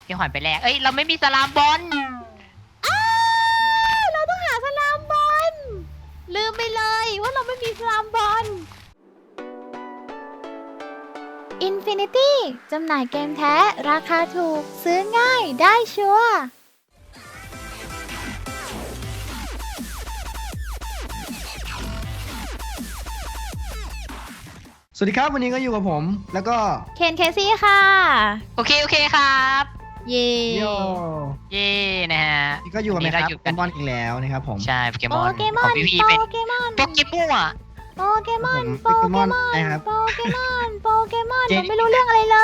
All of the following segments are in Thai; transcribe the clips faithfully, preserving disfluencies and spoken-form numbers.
พี่ขวัญไปแลกเอ้ยเราไม่มีสลามบอลอ้าวเราต้องหาสลามบอลลืมไปเลยว่าเราไม่มีสลามบอล Infinity จำหน่ายเกมแท้ราคาถูกซื้อง่ายได้ชัวร์สวัสดีครับวันนี้ก็อยู่กับผมแล้วก็เคนเคซี่ค่ะโอเคโอเคครับเย่โยเย่นะฮะนี่ก็อยู่กับไหมครับวันนี้เราอยู่กันบอลอีกแล้วนะครับผมใช่โปเกมโปอนเกมขอองนพี่พีโปเป็นเกมอนโปเกมอนโปเกมอนผมโปเกมอนโปเกมอนนะครับโปเกมอนโปเกมอนเจหนนูไม่รู้เรื่องอะไรเลย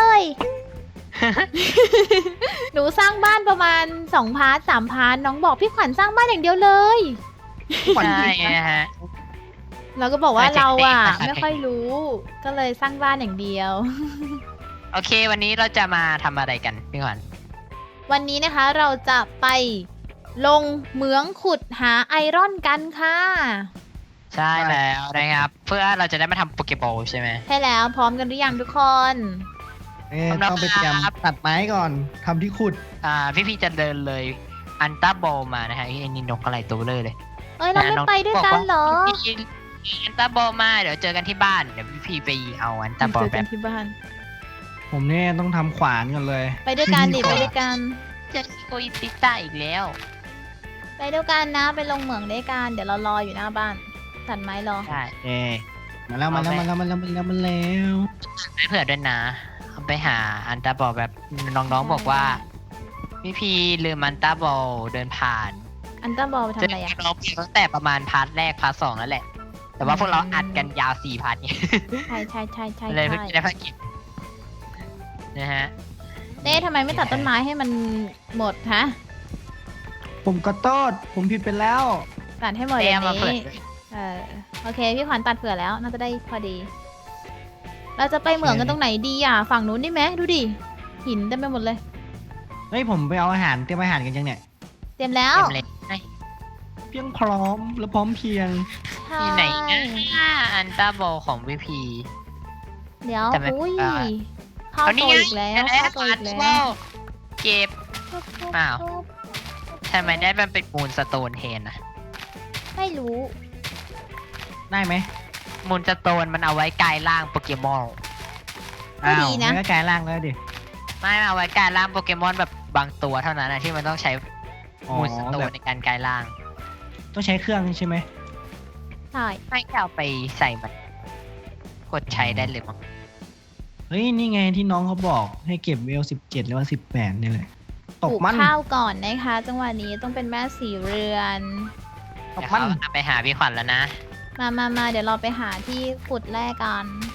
หนูสร้างบ้านประมาณสองพาร์ทสามพาร์ทน้องบอกพี่ขวัญสร้างบ้านอย่างเดียวเลยขวัญใช่ดีนะนะฮะเราก็บอกว่าใช่เราอ่ะเทคนิคไม่ค่อยรู้ ก็เลยสร้างบ้านอย่างเดียวโอเค วันนี้เราจะมาทำอะไรกันพี่ขวัญวันนี้นะคะเราจะไปลงเหมืองขุดหาไอรอนกันค่ะใช่แล้วนะครับ เพื่อเราจะได้มาทำโปเกบอลใช่ไหมใช่แล้วพร้อมกันหรือยังทุกคนเอ๊ะสำหรับต้องไปเตรียมตัดไม้ก่อนทำที่ขุดอ่าพี่พีจะเดินเลยอันต้าบอลมานะฮะไอ้นี่นกอะไรตัวเลยเลยเอ้ยเราไม่ไปด้วยกันเหรอพี่อันต้าบอลมาเดี๋ยวเจอกันที่บ้านเดี๋ยวพี่พีไปเอาอันต้าบอลเจอแบกันบที่บ้านผมเนี่ยต้องทำขวานก่อนเลยไปด้วยกันดิก่ไปอนด้วยกันจะโกยติต้าอีกแล้วไปด้วยกันนะไปลงเหมืองด้วยกันเดี๋ยวเรารออยู่หน้าบ้านตัดไม้รอใช่เอ๊ะมาแล้วมาแล้วมาแล้วมาแล้วมาแล้วมาแล้วไม่เผื่อด้วยนะเอาไปหาอันต้าบอลแบบน้องๆบอกว่าพี่พีลืมอันต้าบอลเดินผ่านอันต้าบอลไปทำจะอะไรอ่ะเราตั้งแต่ประมาณพาร์ทแรกพาร์ทสองแล้วแหละ แต่ว่าพวกเราอัดกันยาวสี่พาร์ทเนี่ยใช่ใช่ใช่ใช่เลยเพิ่งใช่จะได้ภารกิจนะฮะเต้ทำไมไม่ตัดต้นไม้ให้มันหมดฮะผมก็โทษผมผิดไปแล้วตัดให้หมดอเต้ย่างมาเผื่อนี้เออโอเคพี่ขวัญตัดเผื่อแล้วน่าจะได้พอดี เราจะไปเหมืองกันตรงไหนดีอ่ะฝั่งนู้นได้ไหมดูดิหินเต็มไปหมดเลยเฮ้ยผมไปเอาอาหารเตรียมอาหารกันยังเนี่ยเตรียมแล้วเต็มเลยไหนเพียงพร้อมและพร้อมเพรียงที่ไหนนะอันต้าบอลของพี่พีเดี๋ยวแต่ไม่อุ้ยได้เข้าเอาตันี่วไงอีกแล้วแล้วเข้าตัวอัอีนกแล้ต้าบอวลเก็บ อ้าว ทำไมได้มันเป็นมูลสโตนเทนอะไม่รู้ได้ไหมมูลสโตนมันเอาไว้กลายร่างโปเกมอนก็อ้าวดีนะไม่ก็กลายร่างแล้วดิไม่เอาไว้กลายร่างโปเกมอนแบบบางตัวเท่านั้นนะที่มันต้องใช้อ๋อมูลสโตแบนบในการกลายร่างต้องใช้เครื่องใช่ไหมใช่ไม่เอาไปใส่มันกดใช้ได้เลยมั้งเฮ้ยนี่ไงที่น้องเขาบอกให้เก็บเวลสิบเจ็ดหรือว่าสิบแปดนี่แหละปตลูกกมันข้าวก่อนนะคะ จังหวะนี้ต้องเป็นแม่สีเรือนตเดี๋กยวมัเขานเอาไปหาพี่ขวัญแล้วนะมามามาเดี๋ยวเราไปหาที่ขุดแร่กัน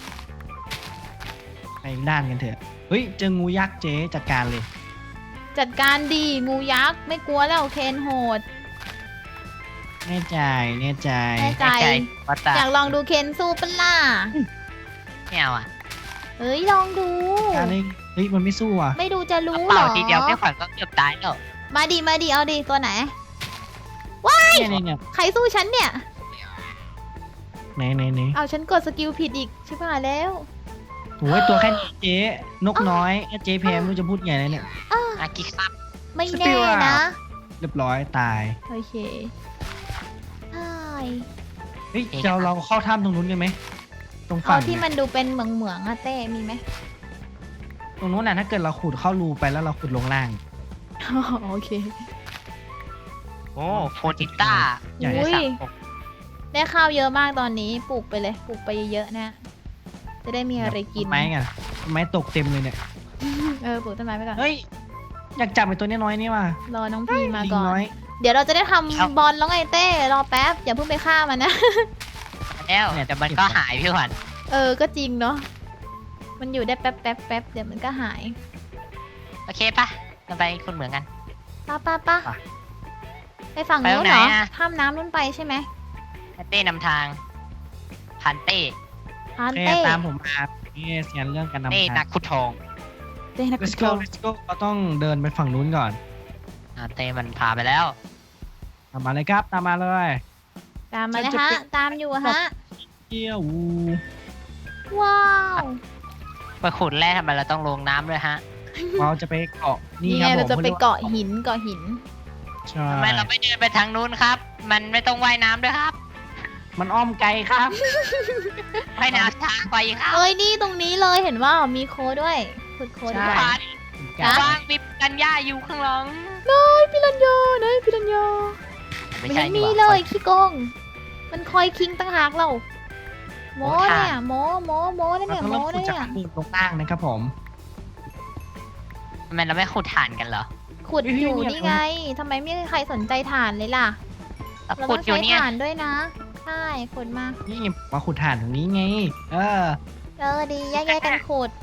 ไปอีกด้านกันเถอะ เฮ้ยเจองูยักษ์เจ๊จัดการเลยจัดการดีงูยักษ์ไม่กลัวแล้วเคนโหดแน่ใจแน่ใจแน่ใจใจว่าตาอยากลองดูเคนสู้ปะล่ะไม่เอาอ่ะเอ้ยลองดูการเลยเฮ้ยมันไม่สู้อ่ะไม่ดูจะรู้เหรเป่าอทีเดียวพี่ขวัญก็เกือบตายแล้วมาดีมาดีเอาดีตัวไหนเนี่ยเนี่ยเนี่ยใครสู้ฉันเนี่ยไหนไหนไหนเอาฉันกดสกิลผิดอีกใช่ป่ะแล้วโอ้ยตัวแค่นี้เจ๊นกน้อยเจ๊แพมไม่รู้จะพูดไงแล้วเนี่ยอากิครับไม่สปิแน่ริตนะเรียบร้อยตายโอเคใช่เฮ้ยจะเราเข้าถ้ำตรงนู้นกันไหมตรงเอาฝั่งที่เนี่ยมันดูเป็นเหมืองเหมืองๆอะเต้มีไหมตรงนู้นน่ะถ้าเกิดเราขุดเข้ารูไปแล้วเราขุดลงล่างอ๋อโอเคโอ้โฟติต้าใหญ่อุ้ยสามหกได้ข้าวเยอะมากตอนนี้ปลูกไปเลยปลูกไปเยอะๆนะ จะได้มีอะไรกินต้ไม้กันต้นไม้ตกเต็มเลยเนี่ยเออปลูกต้นไม้ไปก่อนเฮ้ยอยากจับไอ้ตัวน้อยๆนี่ว่ะรอน้องพีมาลิงก่อนน้อยเดี๋ยวเราจะได้ทำบอลแล้วไงเต้รอแป๊บอย่าเพิ่งไปฆ่ามันนะแล้วแต่มันก็หายพี่ขวัญเออก็จริงเนาะมันอยู่ได้แป๊บแป๊บแป๊บเดี๋ยวมันก็หายโอเคปะเราไปคุณเหมือนกันป้าป้าป้าไปไปฝั่งไปตรนู้งนไหนเหรออะข้ามน้ำนู้นไปใช่ไหมเต้นำทางพันเต้พานแค่เต้ตามผมมานี่เสียนเรื่องการนำเต้ทานังกขุดทองเต้นัก let's โก go let's go เราต้องเดินไปฝั่งนู้นก่อนอ่าเต้มันพาไปแล้วตามมาเลยครับตามมาเลยตามมาเลยจะฮะเป็นตามอยู่ฮะเที่ยวว้าวไปขุดแร่ทำไมเราต้องลงน้ำด้วยฮะเราจะไปเกาะนี่นี่คไงรับผมเราจะไปเกาะหินเกาะหินใช่ทำไมเราไม่เดินไปทางนู้นครับ มันไม่ต้องว่ายน้ำด้วยครับมันอ้อมไกลครับว่ายน้ำช้าไปครับเอ้ยนี่ตรงนี้เลยเห็นว่ามีโค้ดด้วยขุดโค้ดดีกใช่ว่าพันจ๊ะว่างมีกันย่าอยู่ข้างหลังเฮ้ยพิรันยาเนยพิรันยาไม่มันใช่ยังนี่มีหเลว่ายขี้โกงมันคอยคิงตั้งหากเราโมโอ้ท่าเนี่ยโมโมโมนั่นเราเนี่ยต้องโมเริ่มขุดนั่นจากเนี่ยข้างบนลงล่างนะครับผมทำไมเราไม่ขุดฐานกันเหรอขุดเฮ้ยอยู่เนี่ยนี่ไงทำไมไม่มีใครสนใจฐานเลยล่ะเราเราขุต้ดองอยู่ใช้เนี่ยฐานด้วยนะใช่ขุดมานี่มาขุดถ่านตรงนี้ไง เออเออดีแยกๆกันขุด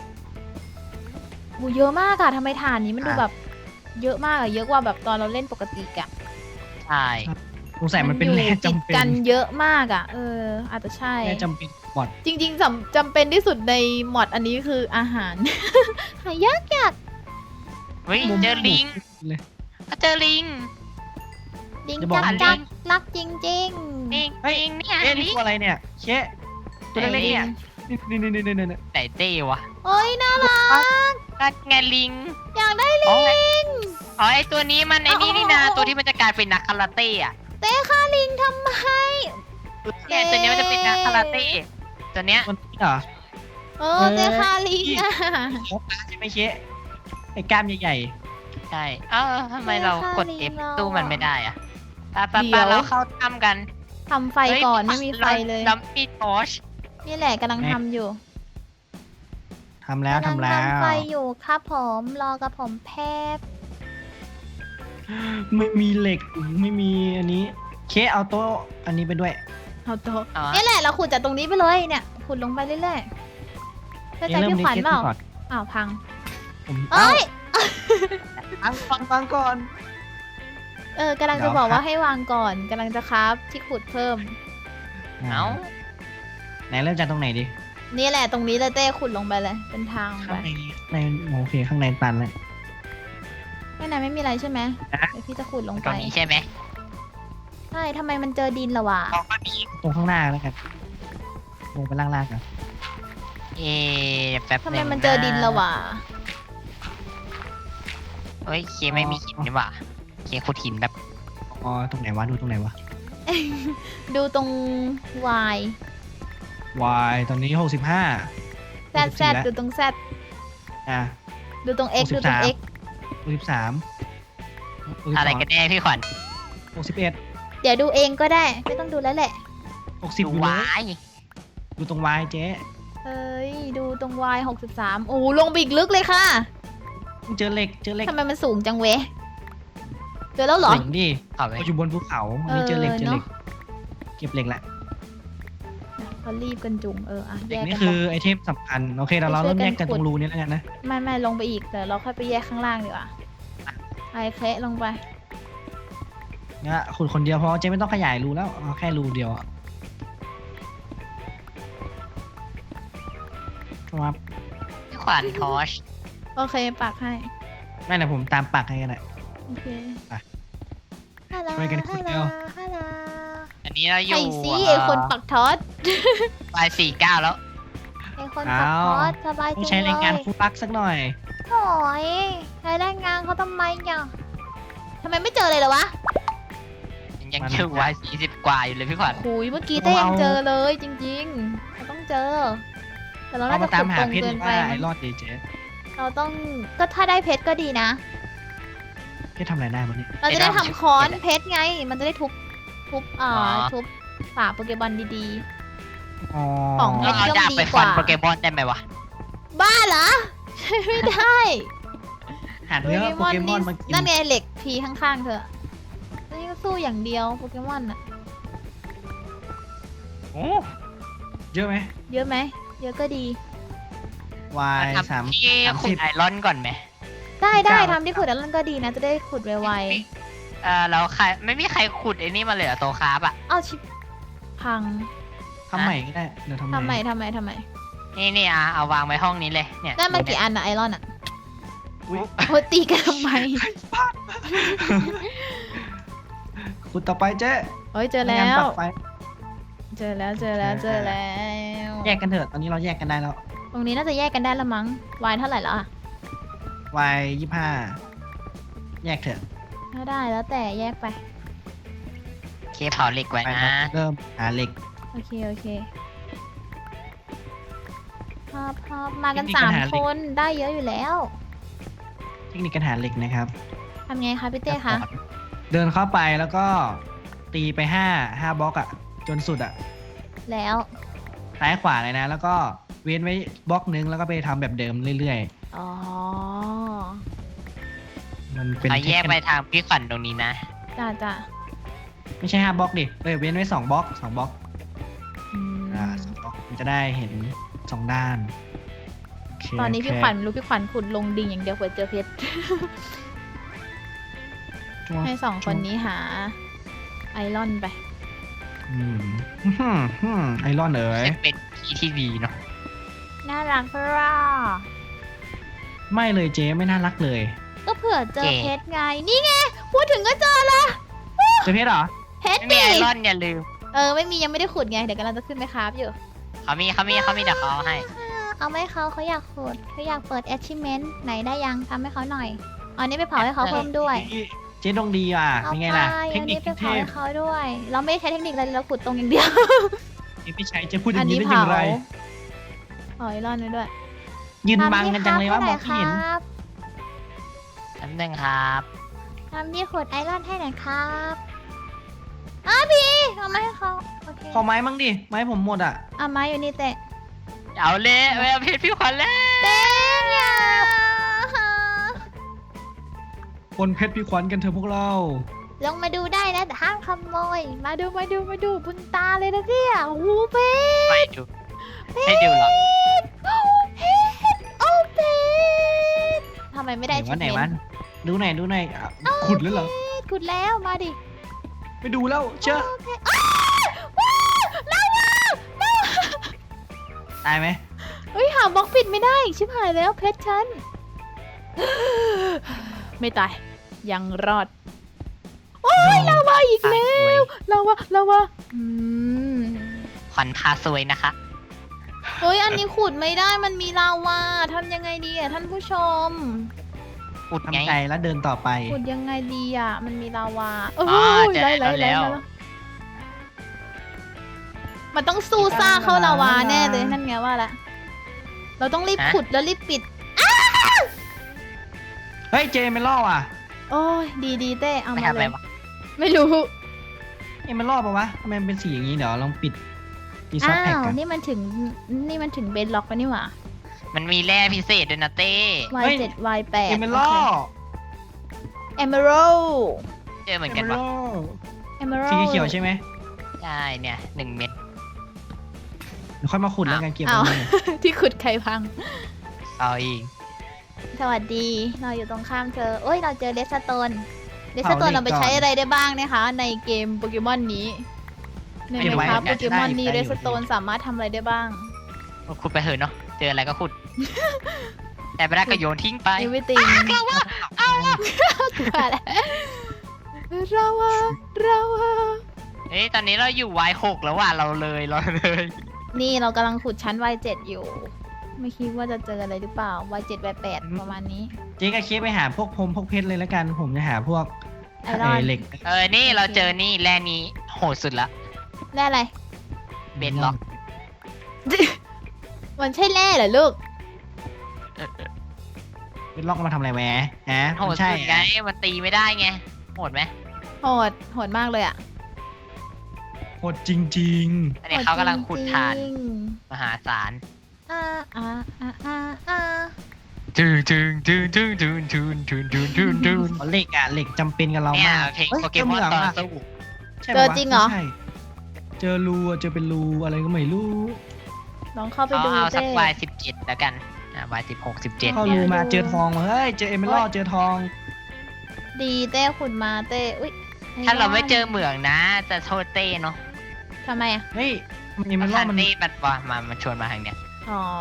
บูเยอะมากอะทำไมฐานนี้มันดูแบบ เยอะมากอะเยอะกว่าแบบตอนเราเล่นปกติอะใช่สงสัยมันเป็นอยู่แร่ติดจำเป็นกันเยอะมากอะเออ อาจจะใช่แร่จำเป็นบอดจริงๆจำจำเป็นที่สุดในหมอดอันนี้คืออาหาร หายากยากเฮ้ยมุมเจอลิงเลยเจอลิงลิงอย่าบอกจักนะจักรักจริงลิงเฮ้ยลิงเนี่ยเอ๊ะลินี่งตัวอะไรเนี่ยเชะตัวเล็กๆเนี่ยๆนี่นี่นี่นี่นี่นี่ไหนเต้วะโอ้ยน่ารักก็ไงลิงอยากได้อ๋อลิงอ๋อไอตัวนี้มันไอนี่นี่นาอ๋ออ๋อตัวที่มันจะกลายเป็นนักคาราเต้อะเต้ฆ่าลิงทำไมเนี่ยตัวนี้มันจะเป็นนักคาราเต้ตัวเนี้ยมันนี่เหรอเออเต้ฆ่าลิงอะโอ้ปลาใช่ไหมเชะไอ้กล้ามใหญ่ใช่เออทำไมเรากดเต้ F ฆ่าลิงเราตู้มันไม่ได้อะไปไปเดี๋ไปยวเราเข้าถ้ำกันทำไฟก่อนไม่มีไฟเลยเรามีทอชนี่แหละกำลังทำอยู่ๆทำแล้วกำลังทำแล้วทำไฟอยู่ครับผมรอกับผมแพบไม่มีเหล็กไม่มีอันนี้เคเอาโต๊ะอันนี้ไปด้วยเอาโต๊ะอ๋อนี่แหละเราขุดจากตรงนี้ไปเลยเนี่ยขุดลงไปเรื่อยๆเข้าใจเอ๊ะเริ่มพี่ขวัญเล็กๆเปล่าก่อนอ้าวพังผมเอ้ยฟังฟังฟังก่อนเออกำลังเดี๋จะยวบอกครัว่าบให้วางก่อนกำลังจะครับที่ขุดเพิ่มเอ้าไหนเริ่มจากตรงไหนดีนี่แหละตรงนี้เลยเต้ขุดลงไปเลย เป็นทางไปข้างในในโอเคข้างในตันเลยข้างในไม่มีอะไรใช่ไหมนะเดี๋ยวพี่จะขุดลงตไปรงนี้ใช่ไหมใช่ทำไมมันเจอดินละวะอ๋อก็มีตรงข้างหน้าแล้วกันลงไปล่างๆกันเอ๊ะแป๊บทำหไมนึ่งมันเจอดินละวะเฮ้ยเคไม่มีหินนี่หว่าเคขุดหินแบบอ๋อตรงไหนวะดูตรงไหนวะดูตรง Y y ตอนนี้หกสิบห้า Z Z ดูตรง Z อ่ะดูตรง X ดูตรง X หกสิบสามอะไรกันแน่พี่ขวัญหกสิบเอ็ดเดี๋ยวดูเองก็ได้ ไม่ต้องดูแล้วแหละหกสิบดูอยู่เลวาย ยดูตรง y เจ๊เอ้ย ดูตรง Y หกสิบสามโอ้โหลงไปอีกลึกเลยค่ะเจอเหล็กเจอเหล็กทำไมมันสูงจังเวะเจอแล้วเหรอเหล็กดิเอาไปเราอยู่บนภูเขาอันนี้เจอเหล็กเออเจอเหล็กเนอะเก็บเหล็กละเขารีบกันจุงเอออ่ะเหแยล็กกนี่กันคือไปไอเทมสำคัญโอเคเราเราเริ่มแยกกันตรงรูนี้แล้วกันนะไม่ไม่ลงไปอีกเดี๋ยวเราค่อยไปแยกข้างล่างดีกว่าไอ้เคละลงไปเนี่ยขุดคนเดียวพอเจ๊ไม่ต้องขยายรูแล้วเอาแค่รูเดียวอะครับพี่ขวัญทอชโอเคปักให้ไม่นะผมตามปักให้กันแหละโอเคไปฮัลโหลช่วยกันขุฮัดลโหลเร็วฮัลโหลอันนี้เราอยู่ไอ้สิไอ้คนปักทอดวายสี่เก้าแล้วไอ้คนปักทอดสบายต้องจังใช้แรงงานเลยฟูปักสักหน่อยโอ้ยใช้แรงงานเขาทำไมเนี่ยทำไมไม่เจอเลยเหรอวะยังอยู่วายสี่สิบกว่าอยู่เลยพี่ขวัญคุยเมื่อกี้เต้ยังเจอเลยจริงๆเราต้องเจอ แต่เราเราน่าจะมาตามขุดหาตรงเพชรเกิหนรือไปว่าไอ้มั้งรอดดีเจ๊เราต้องก็ถ้าได้เพชรก็ดีนะเพชรทำอะไรได้บ้างเนี่ยเราจะได้ทำค้อนเพชรไง มันจะได้ทุบทุบอ่าทุบฝาโปเกมอนดีอ๋อของเราเอาดาบไปฟันโปเกมอนได้ไหมวะๆ บ้าเหรอ ใช้ไม่ได้หาเนื้อโปเกมอนมากินนั่นไงเหล็กพีข้างๆเธอนี่ก็สู้อย่างเดียวโปเกมอนอะโอ้เยอะไหมเยอะไหมเยอะก็ดีวายสามทำที่สามขุสิดบไอรอนก่อนไหมได้ได้เก้าทำที่ขุดแล้วมันก็ดีนะ จะได้ขุดไวเออเราใครไม่มีใครขุดไอ้นี่มาเลยเหรอโตคาร์บอ่ะๆ เอาชิบพังทำใหม่ก็ได้เดี๋ยวทำทำไมใหม่ทำไมทำไมนี่นี่อ่ะเอาวางไว้ห้องนี้เลยเนี่ยได้มากี่อันอะไอรอนอะอุ๊ยโอ้ยตีกันทำไมขุดต่อไปเจ๊โอ้ยเจอไม่แล้งั้นวปักไฟเจอแล้วเจอแล้วเจอแล้วแยกกันเถอะตอนนี้เราแยกกันได้แล้วตรงนี้น่าจะแยกกันได้ละมั้งวายเท่าไหร่แล้วอะวายยี่ห้าแยกเถอะถ้าได้แล้วแต่แยกไปเคเผาเหล็กไว้ไปนะเริ่มหาเหล็กโอเค โอเคพอพอมากันเทคนิคสามการหาเหล็คกนได้เยอะอยู่แล้วเทคนิคการหาเหล็กนะครับทำไงคะพี่เต้คะเดินเข้าไปแล้วก็ตีไปห้าห้าบล็อกอะจนสุดอะแล้วซ้ายขวาเลยนะ แล้วก็เว้นไว้บล็อกนึงแล้วก็ไปทำแบบเดิมเรื่อยอ๋อๆ มันเป็นเอาแยกเทคไปนิคทางพี่ขวัญตรงนี้นะจ้าจ้าไม่ใช่ห้าบล็อกดิเออเว้นไว้สองบล็อกสองบล็อกอืมอ่าสองบล็อกมันจะได้เห็นสองด้านโเคตอนนี้โเคพี่ขวัญไม่รู้พี่ขวัญขุดลงดิ่งอย่างเดียวเผื่อเจอเพชรช่วงให้สองคนนี้หา ไอรอนไปอืมอื้อหือหือไอรอนเอ๋ยจะเป็นที่ที่ดีเนาะน่ารักเพราะไม่เลยเจ๊ไม่น่ารักเลยก็เผื่อเจอเพชรไง นี่ไง พูดถึงก็เจอละเจะเพชรเหรอเพชรไม่มีดิไอรอนอย่าลืมเออไม่มียังไม่ได้ขุดไง เดี๋ยวกำลังจะขึ้นไปคราฟอยู่เขามีเขามีเขามีเดี๋ยวเขาเอาให้เอาไม่เขาเขาอยากขุดเขาอยากเปิด achievement ไหนได้ยังทำให้เขาหน่อยเอาอันนี้ไปเผาให้เขาเพิ่มด้วยเจ๊ดงดีอ่ะเอาเป็นไปไงล่ะ เทอัคน นินี้คไปเทเผาพให้เขาด้วย เราไม่ได้ใช้เทคนิคอะไรเราขุดตรงอย่างเดียวเจ๊พี่ชัยเจะพูดออัย่าน งนี้นี้ได้อเผาย่างไรเผาไอรอนไว้ด้วยยืนบังกันจังเลยว่าทำมที่องไม่เห็นครับน้ำหนึ่งครับทำที่ขุดไอรอนให้หน่อยครับอ้าพี่เอามาให้เขาโอเคขอไม้มั่งดิ ไม้ผมหมดอ่ะเอาไม้อยู่นี่เตะเอาเลยเอาเพชรพี่ขวัญแล้วเต้อย่าบนเพชรพี่ขวัญกันเถอะพวกเราลงมาดูได้นะแต่ห้ามขโมย มาดูมาดูมาดูบุญตาเลยนะเนี่ยโอ้โหเพชรไม่ดูให้ดูหรอกโอ้เพชรโอ้เพชรทำไมไม่ได้ไหนวะไหน achievement วะดูหน่อยดูหน่อยอ่ะขุดแล้วเหรอขุดแล้วมาดิไปดูแล้วเชื่อโอเคอ้าวว้าวลาวาลาวาตายไหมเฮ้ยหาบล็อกปิดไม่ได้อีกชิบหายแล้วเพชรฉัน ไม่ตาย ยังรอด โอ้ยลาวาอีกแล้วลาวาลาวาอืมขวัญพาสวยนะคะเฮ้ยอันนี้ขุดไม่ได้มันมีลาวาทำยังไงดีอ่ะท่านผู้ชมอุดไงทำใจแล้วเดินต่อไปขุดยังไงดีอ่ะ มันมีลาวาเออ๋ออเจอไล่ไล่แล้ไล่วไล่มันต้องสู้ซ่าเข้าลาวาแน่เลยนั่นไงว่าละเราต้องรีบฮะขุดแล้วรีบปิดเฮ้ยเจไม่ล่อว่ะโอ้ยดีดีเต้เอาไม่มาทำอะเลไรยวะไม่รู้เอ้มันล่อปะวะทำไมมันเป็นสีอย่างนี้เดี๋ยวลองปิดดีซออ้าฟแพ็กวกันนี่มันถึงนี่มันถึงเบนล็อกแล้วนี่หว่ามันมีแร่พิเศษด้วยนะเต้วาย เจ็ด วาย แปดเอเมล่อเอเมอรัลเจอเหมือนเอกันเมปะล่อเอเมอรัลสีเขียวใช่ไหมใช่เนี่ยหนึ่งเม็ดเดี๋ยวค่อยมาขุดแล้วกันเก็บอ้าวไว้เลยที่ขุดไข่พังเอาอีกสวัสดี เราอยู่ตรงข้ามเธอโอ้ย เราเจอเลสโตน เลสโตนเราไปใช้อะไรได้บ้างนะคะ ในเกมโปเกมอนนี้ ในไหมครับโปเกมอนนี้เลสโตนสามารถทำอะไรได้บ้างขุดไปเถอะเนาะ เจออะไรก็ขุด แต่ไม่ได้ก็โยนทิ้งไป everything ว่าแล้วเราอะเราอะเอ้ยตอนนี้เราอยู่ วาย หก แล้วว่ะเราเลยเราเลยนี่เรากำลังขุดชั้น วาย เจ็ด อยู่ ไม่คิดว่าจะเจออะไรหรือเปล่า วาย เจ็ด วาย แปด ประมาณนี้เจ๊กับเคสไปหาพวกพรมพวกเพชรเลยแล้วกัน ผมจะหาพวกไอรอนเเหล็กเออ นี่เราเจอนี่แร่นี้โหดสุดละแร่อะไรเบนล็อกมันใช่แร่เหรอลูกเป็นล็อกมาทำอะไรแหมฮะโหมัดนใช่สุดไง มันตีไม่ได้ไง โหดไหมโหด โหดมากเลยอะโหดจริงอันนี้เขากำลังขุดฐานจริงมหาศาลๆอ่าอ่าอ่าอ่าอ่าจึงจึงจึงจึงจึงจึงจึงจึงจึงจึงๆเหล็กอ่ะเหล็กจำเป็นกับเราเนี่ยมากเพลงฮ้ยโปเกมอนจตอนหงะสู้ใช่ปะเจอวะจริงเหรอไม่ใช่เจอรูอะเจอเป็นรูอะไรก็ไม่รู้ลองเข้าไปเอาดูเอาสักเต้วายสิบเจ็ดแล้วกันอ่าวายสิบหกสิบเจ็ดเข้าเนี่รูยมาเจอทองมาเฮ้ยเจอเอเมอรัลเจอทองดีเต้ขุดมาเต้อุ้ยถ้าเราไม่เจอเหมืองนะ จะโทษเต้เนาะทำไมอะเฮ้ยมันเอเมอเพรัราะลมันเต้มันว่ามามันชวนมาทางเนี้ยอ๋อ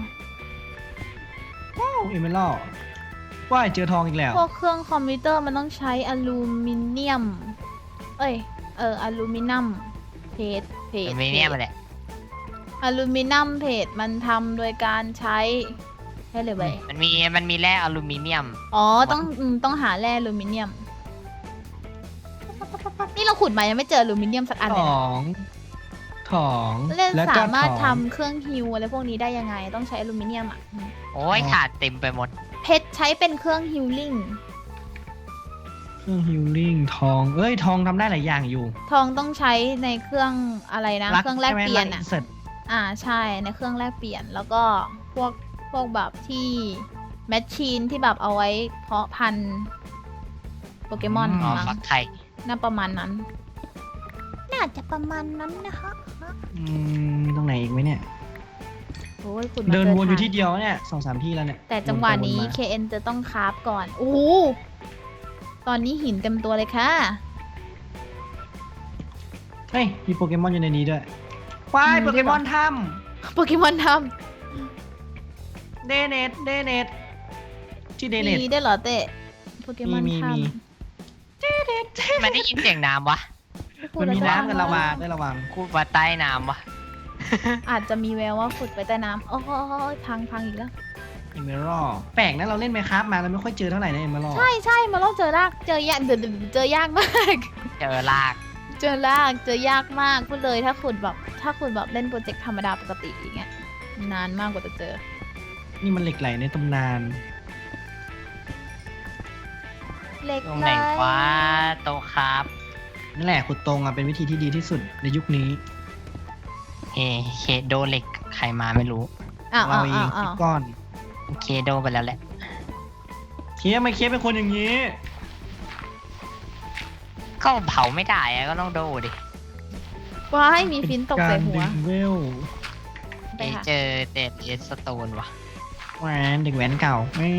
เอเมอรัลว่ายเจอทองอีกแล้วพวกเครื่องคอมพิวเตอร์มันต้องใช้อลูมิเนียม เอ้ย เออ อลูมิเนียมเพจเพจมันไม่เนี่ยมันแหละอลูมิเนียมเพจมันทำโดยการใช้ให้เลยไปมันมีมันมีแร่อลูมิเนียมอ๋อต้องอืมต้องหาแร่อลูมิเนียม นี่เราขุดมายังไม่เจออลูมิเนียมสักอันขเลยนะองของเล่นแล้วก็สามารถของทำเครื่องฮิวอะไรพวกนี้ได้ยังไง ต้องใช้อลูมิเนียมอ่ะอืมโอ้ยขาดเต็มไปหมดเพชรใช้เป็นเครื่องฮิลลิ่งเครื่องฮิลลิ่งทอง เอ้ยทองทำได้หลายอย่างอยู่ทองต้องใช้ในเครื่องอะไรนะ เครื่องแลกเปลี่ยนอ่ะอ่ะเสร็จอ่าใช่ในเครื่องแลกเปลี่ยนแล้วก็พวกพวกแบบที่แมชชีนที่แบบเอาไว้เพาะพันธุ์โปเกมอนอ๋อมั้งฟักไข่น่าประมาณนั้น น่าจะประมาณนั้นนะคะอืมมีตรงไหนอีกไหมเนี่ยโอ้ยคุณมาเดินจวนอยู่ทางที่เดียวเนี่ยสองสามที่แล้วเนี่ยแต่จังหวะนี้วไปเค เอ็น จะต้องคราฟก่อนโอ้โหตอนนี้หินเต็มตัวเลยค่ะเฮ้ยมีโปเกมอนอยู่ในนี้ด้วยว้ายอืมโปเกมอนถ้โปเกมอนทำเดเนตเดเนตชื่อเดำเนตมีได้วยเหรอเต้โปเกมอนมีทมีมันได้ยินเสียงน้ำวะำพูดมันแล้วมีก็น้ำกันระวางได้ระวังคูดว่าใต้น้ำวะอาจจะมีแววว่าขุดไปใต้น้ำโอ้โหพังพังอีกแล้วเอเมอรัลแปลกนะเราเล่นไหมครับมาเราไม่ค่อยเจอเท่าไหร่นะเอเมอรัลใช่ใช่มาลองเจอรากเจอยากเดยวเจอยากมากเจอลากเจอรากเจอยากมากพูดเลยถ้าขุดแบบถ้าขุดแบบเล่นโปรเจกต์ธรรมดาปกติอย่างเงี้ยนานมากกว่าจะเจอนี่มันเหล็กไหลในตำนานเล็กตรงไหนวะโตครับนั่นแหละขุดตรงอ่ะเป็นวิธีที่ดีที่สุดในยุคนี้เฮเคโดเหล็กใครมาไม่รู้อ้าวเราอ้าวเออ้าง วอ้าคิวดก้อนเคโดไปแล้วแหละเคียไม่เคียเป็นคนอย่างนี้ก็เผาไม่ได้อะก็ต้องโดดิว้ายมีฟินตกใส่หัวเป็นการดึงเวลไปเอ้ยค่ะเจอเดดเอสโตนว่ะแหวนเด็กแหวนเก่าไม่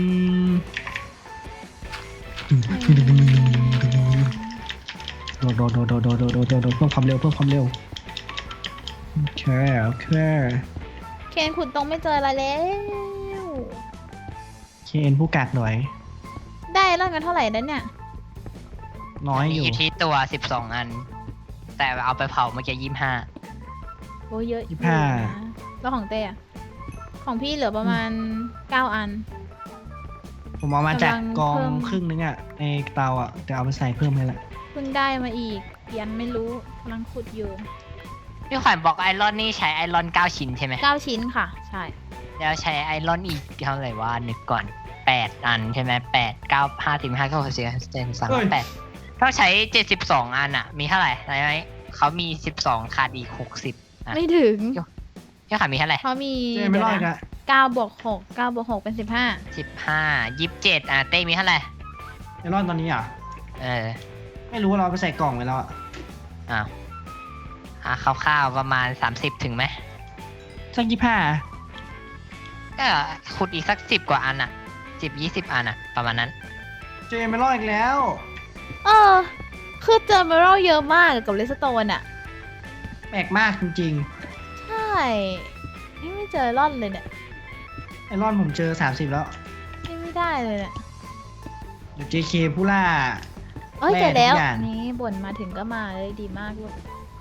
โดดโดดโดดโดดโดดโดดโดดโดดโดดเพิ่มความเร็วเพิ่มความเร็วโอเคโอเคเคนขุดตรงไม่เจออะไรแล้วเคนผู้กัดหน่อยได้ร่างกันเท่าไหร่แล้วเนี่ยน้อยมีอยู่อยู่ที่ตัวสิบสองอัน แต่เอาไปเผาเมื่อกี้ยี่ห้าโอ้เยอะอยู่ยี่สิบห้านะแล้วของเต้อะของพี่เหลือประมาณเก้าอันผมเอามาจากกำลังกองเพิ่มครึ่งนึงอ่ะในเตาอ่ะแต่เอาไปใส่เพิ่มให้ละเพิ่งได้มาอีกยังไม่รู้กำลังขุดอยู่พี่ขวัญบอกไอรอนนี่ใช้ไอรอนเก้าชิ้นใช่ไหมเก้าชิ้นค่ะ ใช่แล้วใช้ไอรอนอีกเท่าไหร่ว่านึกก่อนแปดอันใช่ไหมแปดเก้าห้าสิบห้าเก้าสิบสี่เจ็ดสามแปดต้องใช้เจ็ดสิบสองอันอ่ะ มีเท่าไหร่ไหมเขามีสิบสองขาดอีกหกสิบอ่ะไม่ถึงพี่ขวัญมีเท่าไหร่เขามีเจไม่รอดอีกเดี๋ยวอะนะเก้าบวกหกเก้าบวกหกเป็นสิบห้าสิบห้ายี่สิบเจ็ดอ่ะเต้มีเท่าไหร่ไม่รอดตอนนี้อ่ะเออไม่รู้ว่าเราเอาไปใส่กล่องไว้แล้วอ่ะอ้าวอ่ะคร่าวๆประมาณสามสิบถึงไหมสักยี่ห้าก็ขุดอีกสักสิบกว่าอันอ่ะสิบยี่สิบอันอ่ะ ประมาณนั้นเจไม่รอดอีกแล้วเออ คือเจอเมอรัลเยอะมากกับเลสโตนอะแปลกมากจริงใช่นี่ไม่เจอร่อนเลยเนี่ยๆไอรอนผมเจอสามสิบแล้วนี่ไม่ได้เลยเนี่ยเดี๋ยว เจ เค ผู้ล่าเอ้ยแร่เจอแล้วทุกอย่างนี่บ่นมาถึงก็มาเลยดีมากลูก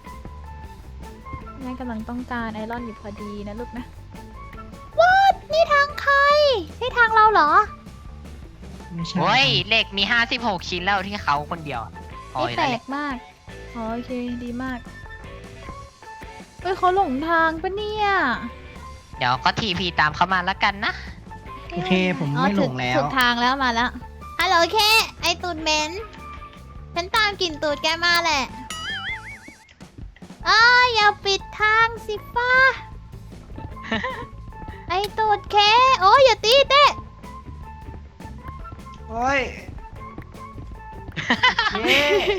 แม่กำลังต้องการไอรอนอยู่พอดีนะลูกนะว้านี่ทางใครนี่ทางเราเหรอไม่ใช่โอ้ยเหล็กมีห้าสิบหกชิ้นแล้วที่เขาคนเดียวอะพอนี่อยู่แปลแล้วแหละกมากอ๋อโอเคดีมากเฮ้ยเขาหลงทางปะเนี่ยเดี๋ยวก็ทีพีตามเขามาแล้วกันนะโอเคผมไม่หลงแล้วถูกทางแล้วมาแล้วฮัลโหลเคไอตูดเหม็นฉันตามกลิ่นตูดแกมาแหละอ้าวอย่าปิดทางสิฟ้า ไอตูดเคโอ้ยอย่าตีเต้โอ้ยเย้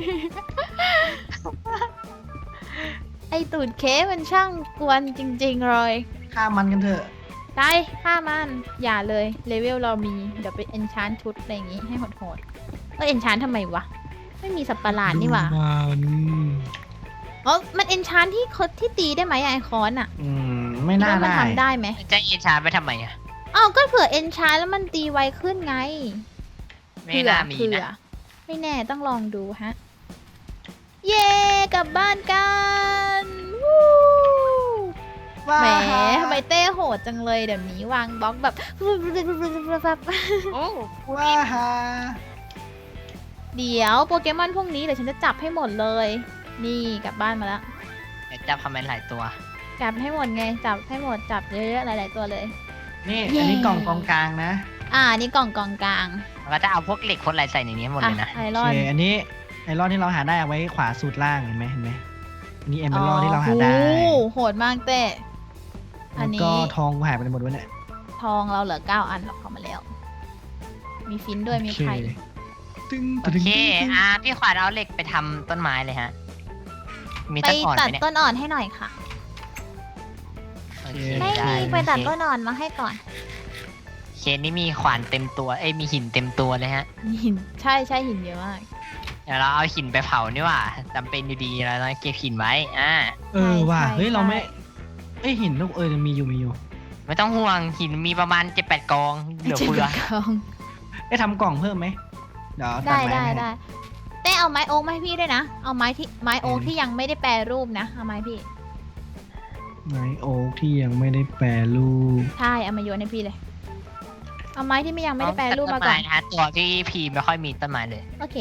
ไอตูดเคมันช่างกวนจริงๆเลยฆ่ามันกันเถอะไปฆ่ามันอย่าเลยเลเวลเรามีเดี๋ยวไปเอนชานชุดอะไรอย่างงี้ให้โหดๆเออเอนชานทำไมวะไม่มีสัตว์ประหลาดนี่หว่าดูมันอ๋อมันเอนชานที่เขาที่ตีได้ไหมอะไอคอนอะอืมไม่น่าว่ามันได้ทำได้ไหมจะเอชาร์ไปทำไมอ่ะอ้าวก็เผื่อเอนชานแล้วมันตีไวขึ้นไงไม่น่ามีเผื่อนะไม่แน่ต้องลองดูฮะ เย่กลับบ้านกันวู้โหแหมทำไมเต้โหดจังเลยเดี๋ยวนี้วางบล็อกแบบโอ้ว้าฮาเดี๋ยวโปเกมอนพวกนี้เดี๋ยวฉันจะจับให้หมดเลย นี่กลับบ้านมาแล้วเดี๋ยวจับคอมเมนต์หลายตัวจับให้หมดไงจับให้หมดจับเยอะๆหลายๆตัวเลยนี่เย้อันนี้กล่องกองกลางนะอ่านี่กล่องกองกลางแล้วก็จะเอาพวกเหล็กพวกอะไรใส่ในนี้หมดเลยนะอ่ะไอรโออนเคอันนี้ไอรอนที่เราหาได้เอาไว้ขวาสุดล่างเห็นไหมเห็นไหมอันนี้เอเมอรัลที่เราหาได้โอ้โหโหดมากเต้อัแล้นวนี้ก็ทองกูหายไปหมดวะเนี่ยทองเราเหลือเก้าอันหรอกเข้ามาแล้ว มีฟินด้วยมีไข่ตึ้งโอตึ้งเคตึ้งอ่ะพี่ขวัญเอาเหล็กไปทำต้นไม้เลยฮะ มีไปต้นอ่อนตัไหดมเนี่ยต้นอ่อนให้หน่อยค่ะโอเคไม่ได้มีไปตัดต้นอ่อนมาให้ก่อนเคสนี้มีขวานเต็มตัว เอ้ยมีหินเต็มตัวเลยฮะหินใช่ใช่หินเยอะมากเดี๋ยวเราเอาหินไปเผานี่หว่าจำเป็นอยู่ดีเราต้องเก็บหินไว้ อ่าเออว่ะใช่เฮ้ยเราไม่ใช่เอ้ยหินลูกเออมีอยู่มีอยู่ไม่ต้องห่วงหินมีประมาณเจ็ดแปดกองเหลือเจ็ดเฟือกองได้ทำกล่องเพิ่มไหมเดี๋ยวตัได้ม้ได้ให้ได้เต้เอาไม้โอ๊กมาให้พี่ด้วยนะ เอาไม้ที่ไม้โอ๊กอืมที่ยังไม่ได้แปรรูปนะ เอาไม้พี่ไม้โอ๊กที่ยังไม่ได้แปรรูปใช่เอามาโยนให้พี่เลย เอาไม้ที่ไม่ยังไม่ได้แปรรูปมาต้นก่อไม้นนะฮะตัวที่พีไม่ค่อยมีต้นไม้เลยโอเค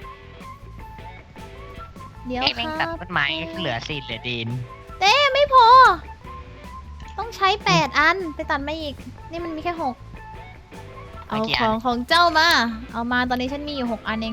เดี๋ยวเอ้ยแม่งคตัรัดบต้นไม้เหลือสิเหลือดินเต้ไม่พอ ต้องใช้แปดอัน ไปตัดมาอีก นี่มันมีแค่หก เอาเอากี่ขอัอน งของเจ้ามา เอามาตอนนี้ฉันมีอยู่หกอันเอง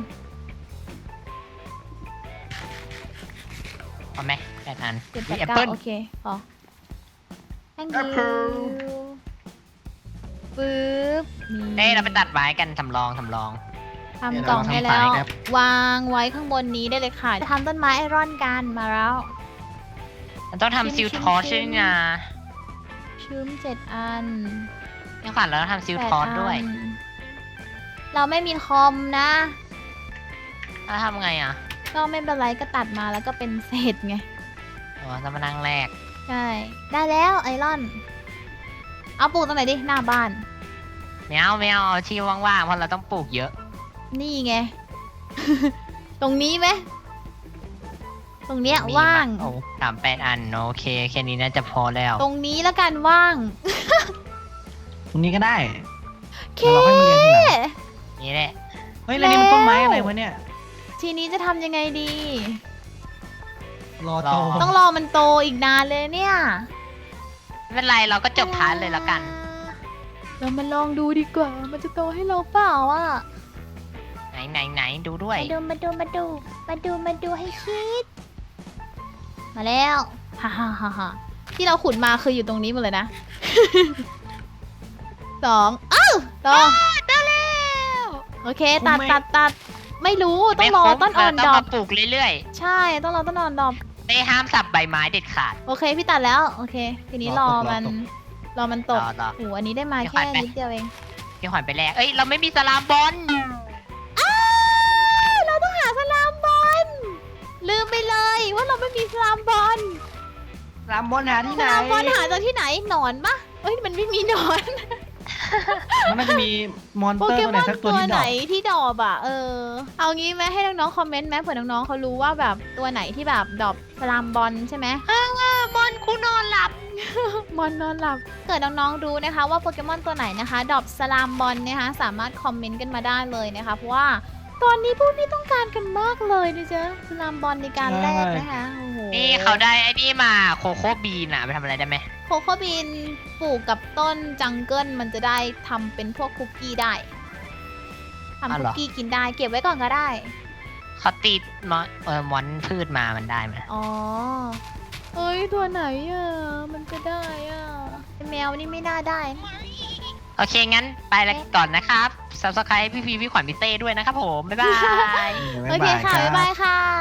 เอาไหมแปดอันเจ็ดแปมีดแอปเก้าเปิ้ลโอเคพอ thank แอปเปิ้ you ลปึ๊บเอ้ยเราไปตัดไม้กันทำลองทำลองทำกล่องได้แล้ว วางไว้ข้างบนนี้ได้เลยค่ะ จะทำต้นไม้ไอรอนกันมาแล้วมันต้องทำซิลทอร์ชด้วยนะชื้มเจ็ดอันนี่ขวัญเราต้องทำซิลแปทอร์ชด้วยอันเราไม่มีคอมนะแล้วทำไงอ่ะก็ไม่เป็นไรก็ตัดมาแล้วก็เป็นเศษไงอ๋อจะมานั่งแรกใช่ ได้แล้วไอรอน เอาปลูกตรงไหนดิ หน้าบ้านไม่เอาไม่เอาเอาที่ว่างๆเพราะเราต้องปลูกเยอะนี่ไง ตรงนี้ไหม ตรงเนี้ยมีว่างโอ้สามแปดอันโอเคแค่นี้น่าจะพอแล้วตรงนี้แล้วกันว่างตรงนี้ก็ได้เคเดี๋ยวเราค่อยมาเรียนทีหลังนี่แหละเฮ้ยแล้วนี่มันต้นไม้อะไรวะเนี่ยทีนี้จะทำยังไงดีรอโตต้องรอมันโตอีกนานเลยเนี่ยไม่เป็นไรเราก็จบพาร์ทเลยแล้วกันเรามาลองดูดีกว่า มันจะโตให้เราเปล่าอ่ะไหนไหนไหนดูด้วยมาดูมาดูมาดู มาดูมาดูให้คิด มาแล้วฮ่าฮ่าฮ่าฮ่าที่เราขุดมาคืออยู่ตรงนี้หมดเลยนะ สองเอ้าสองได้แล้วโอเค ตัดตัดตัดไม่รู้ต้องรอต้นอ่อนต้ดองอกมาปลูกเรื่อยใช่ ต้องรอต้นอ่อนดอกๆไม่ห้ามสับใบไม้เด็ดขาดโอเค พี่ตัดแล้ว โอเค ทีนี้รอมัน รอมันตรกอรอโอ้โหอันนี้ได้มาพี่ขวัแค่ญไปนิดเดียวเองพี่ขวัญไปแรกเอ้ยเราไม่มีสลามบอลอ้าวเราต้องหาสลามบอล ลืมไปเลยว่าเราไม่มีสลามบอลรามบอลหาที่สไหนลามบอลหาจากที่ไหนหนอนปะเอ้ยมันไม่มีหนอนมันน่าจะมีมอนโปเตอร์เกตัวไหมนอนสักตัตัว วที่ดไหนอกที่ดอบอ่ะ เออ เอางี้ไหมให้น้องๆคอมเมนต์ไหมเผื่อน้องๆเขารู้ว่าแบบตัวไหนที่แบบดอบสลามบอลใช่ไหมบอลคูนอนหลับมอนนอนหลับเกิดน้องๆรู้นะคะว่าโปเกมอนตัวไหนนะคะดอบสลามบอลนะคะสามารถคอมเมนต์กันมาได้เลยนะคะเพราะว่าตอนนี้พวกพี่ต้องการกันมากเลยนะจ๊ะสลามบอลในการแลกนะคะโอ้โหนี่เขาได้ไอ้นี่มาโคโค่บีนอะไปทำอะไรได้ไหมโคโค่บีนปลูกกับต้นจังเกิลมันจะได้ทำเป็นพวกคุกกี้ได้ทำคุกกี้กินได้เก็บไว้ก่อนก็ได้เขาติดมอนเออมอนพืชมามันได้ไหมอ๋อเอ้ยตัวไหนอ่ะมันจะได้อ่ะแมวนี่ไม่น่าได้นะโอเคงั้นไปแล้วก่อนนะครับ subscribe พี่พีพี่ขวัญพี่เต้ด้วยนะครับผมบ๊ายบายโอเคค่ะบ๊ายบายค่ะ